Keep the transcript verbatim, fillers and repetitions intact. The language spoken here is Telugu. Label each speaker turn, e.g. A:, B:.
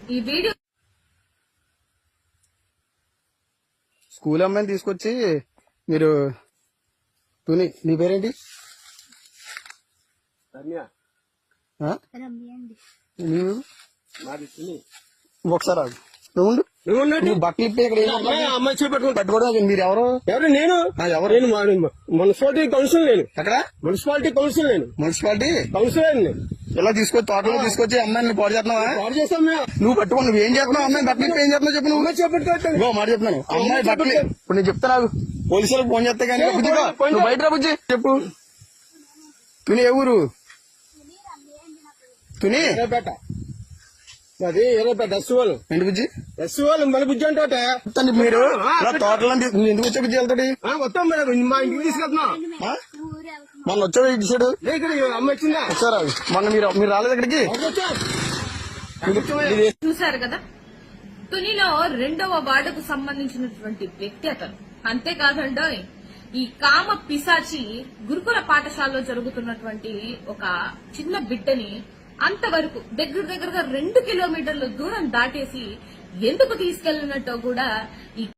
A: ఈ వీడియో
B: స్కూల్ అమ్మాయిని తీసుకొచ్చి మీరు తుని నీ పేరేంటి? ఆ? నీవు ఒకసారి ఆగు. నువ్వు ఉండు. నువ్వు బట్టలు ఇప్పి ఇక్కడ
C: అమ్మాయి చేపట్టుకుని
B: పట్టుకోవడం మీరు ఎవరు?
C: ఎవరు నేను
B: ఎవరు?
C: నేను మున్సిపాలిటీ కౌన్సిల్ నేను
B: ఎక్కడ?
C: మున్సిపాలిటీ కౌన్సిల్ నేను
B: మున్సిపాలిటీ
C: కౌన్సిలర్ నేను
B: ఇలా తీసుకొచ్చి తోటలో తీసుకొచ్చి అమ్మాయిని పాడు చేస్తున్నావా?
C: పాడు చేస్తాం మేము.
B: నువ్వు పట్టుకో. నువ్వు ఏం చేస్తున్నావు? అమ్మాయి బట్టలు ఇప్పి ఏం చేస్తున్నావు చెప్పు. నువ్వు
C: అమ్మాయి చేపట్టుకోవచ్చు
B: ఇగో మాట చెప్తున్నాను. అమ్మాయి బట్టలు ఇప్పుడు నేను చెప్తాను. పోలీసులకు ఫోన్ చేస్తే కానీ బుజ్జిగా నువ్వు బయట రా బుజ్జి చెప్పు. తుని ఏ ఊరు? తుని
C: ఎర్రపేట. అది ఎర్రపేట ఎస్ వాళ్ళు
B: ఏంటి బుజ్జి?
C: ఎస్ వాళ్ళు మన బుజ్జి అంటే
B: మీరు ఇలా తోటలో నువ్వు ఎందుకు వచ్చా బుజ్జి వెళ్తాడు?
C: వస్తాం మేడం మా ఇంటికి తీసుకెళ్తున్నాం.
B: మొన్న వచ్చాడు ఇటు సైడ్
C: ఇక్కడ అమ్మాయి వచ్చిందా?
B: వచ్చారా మొన్న? మీరు మీరు రాలేదు ఇక్కడికి?
A: చూశారు కదా, తునిలో రెండవ వార్డుకు సంబంధించినటువంటి వ్యక్తి అతను. అంతేకాదండోయ్, ఈ కామ పిశాచి గురుకుల పాఠశాలలో జరుగుతున్నటువంటి ఒక చిన్న బిడ్డని అంతవరకు దగ్గర దగ్గరగా రెండు కిలోమీటర్ల దూరం దాటేసి ఎందుకు తీసుకెళ్లినట్టో కూడా ఈ